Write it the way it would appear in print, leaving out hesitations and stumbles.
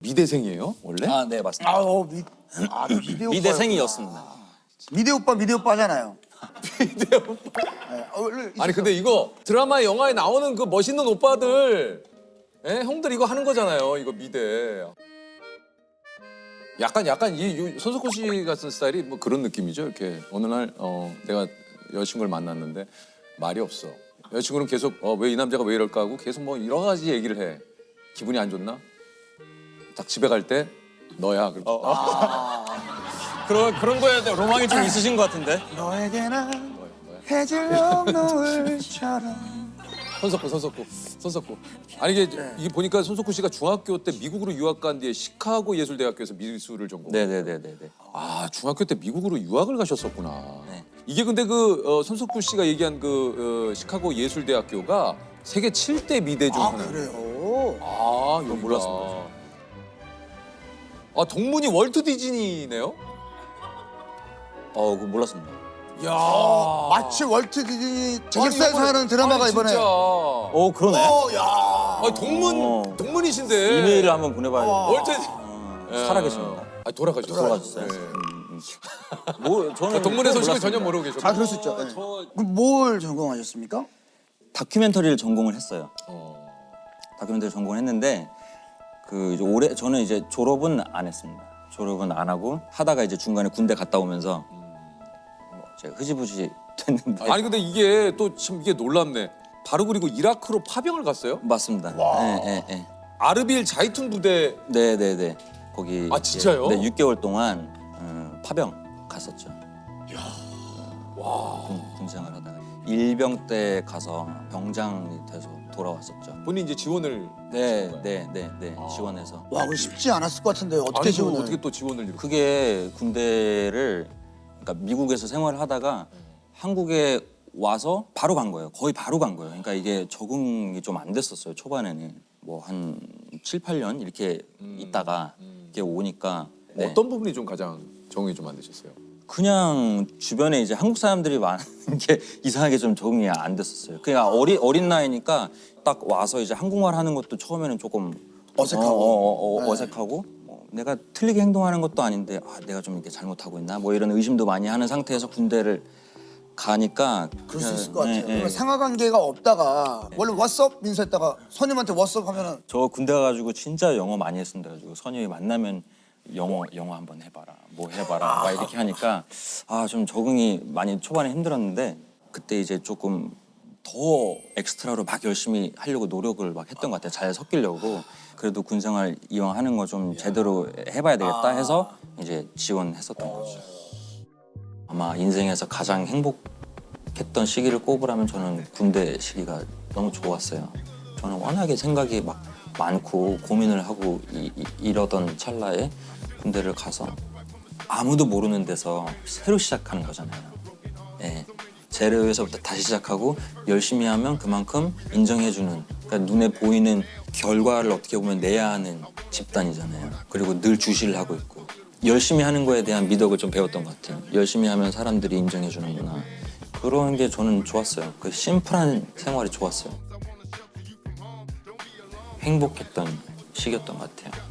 미대생이에요 원래? 아, 네, 맞습니다. 미대 오빠. 미대생이었습니다. 미대 오빠잖아요. 미대 오빠. 네. 원래 아니 근데 이거 드라마 영화에 나오는 그 멋있는 오빠들, 형들 이거 하는 거잖아요. 이거 미대. 약간 이 손석구 씨 같은 스타일이 뭐 그런 느낌이죠. 이렇게 어느 날 내가 여자친구를 만났는데 말이 없어. 여자친구는 계속 왜 이 남자가 왜 이럴까 하고 계속 뭐 여러 가지 얘기를 해. 기분이 안 좋나? 딱 집에 갈 때 너야. 그런 거에 대한 로망이 좀 있으신 것 같은데? 너에게 난 해질녘 노을처럼. 손석구. 아니 이게 보니까 손석구 씨가 중학교 때 미국으로 유학 간 뒤에 시카고 예술대학교에서 미술을 전공. 네네네네. 아 중학교 때 미국으로 유학을 가셨었구나. 네. 이게 근데 손석구 씨가 얘기한 시카고 예술대학교가 세계 7대 미대 중 하나. 그래요? 아 이거 몰랐습니다. 아 동문이 월트 디즈니네요? 그거 몰랐습니다. 야 마치 월트 디즈니 제작사에서 하는 드라마가 이번에. 진짜. 그러네. 야. 아 동문이신데. 이메일을 한번 보내봐야겠다. 월트 살아계십니다. 아 돌아가셨어요. 돌아가셨어요. 저는 동문의 소식을 몰랐습니다. 전혀 모르고 계셨고. 아 그럴 수 있죠. 네. 그럼 뭘 전공하셨습니까? 다큐멘터리를 전공을 했어요. 다큐멘터리 전공을 했는데 이제 저는 이제 졸업은 안 했습니다. 졸업은 안 하고 하다가 이제 중간에 군대 갔다 오면서 제가 흐지부지 됐는데. 아니 근데 이게 또 참 이게 놀랍네. 바로 그리고 이라크로 파병을 갔어요? 맞습니다. 네. 아르빌 자이툰 부대. 네네네. 거기. 아, 진짜요? 네, 6개월 동안 파병 갔었죠. 와. 군생활 하다가 일병 때 가서 병장이 돼서 돌아왔었죠. 본인 이제 지원을. 네. 지원해서. 와, 그거 쉽지 않았을 것 같은데 어떻게 아니 지원을? 어떻게 또 지원을 이렇게. 그게 군대를 그러니까 미국에서 생활을 하다가 한국에 와서 바로 간 거예요. 거의 바로 간 거예요. 그러니까 이게 적응이 좀 안 됐었어요. 초반에는 뭐 한 7, 8년 이렇게 있다가 이렇게 오니까. 네. 어떤 부분이 좀 가장 적응이 좀 안 되셨어요? 그냥 주변에 이제 한국 사람들이 많은 게 이상하게 좀 적응이 안 됐었어요. 그냥 어린 나이니까 딱 와서 이제 한국말 하는 것도 처음에는 조금 어색하고. 어색하고 내가 틀리게 행동하는 것도 아닌데 내가 좀 이렇게 잘못하고 있나 뭐 이런 의심도 많이 하는 상태에서 군대를 가니까 그럴 수 있을 것 같아요. 네. 그러면 상하관계가 없다가 원래 왓썹 인사했다가 선임한테 왓썹 하면은 저 군대 가가지고 진짜 영어 많이 했습니다. 가지고 선임이 만나면 영어 한번 해봐라, 뭐 해봐라, 막 이렇게 하니까 좀 적응이 많이 초반에 힘들었는데 그때 이제 조금 더 엑스트라로 막 열심히 하려고 노력을 막 했던 것 같아요. 잘 섞이려고. 그래도 군생활 이왕 하는 거 좀 제대로 해봐야 되겠다 해서 이제 지원했었던 거죠. 아마 인생에서 가장 행복했던 시기를 꼽으라면 저는 군대 시기가 너무 좋았어요. 저는 워낙에 생각이 막 많고 고민을 하고 이러던 찰나에 군대를 가서 아무도 모르는 데서 새로 시작하는 거잖아요. 네. 제로에서부터 다시 시작하고 열심히 하면 그만큼 인정해주는, 그러니까 눈에 보이는 결과를 어떻게 보면 내야 하는 집단이잖아요. 그리고 늘 주시를 하고 있고 열심히 하는 거에 대한 미덕을 좀 배웠던 것 같아요. 열심히 하면 사람들이 인정해주는구나. 그런 게 저는 좋았어요. 그 심플한 생활이 좋았어요. 행복했던 시기였던 것 같아요.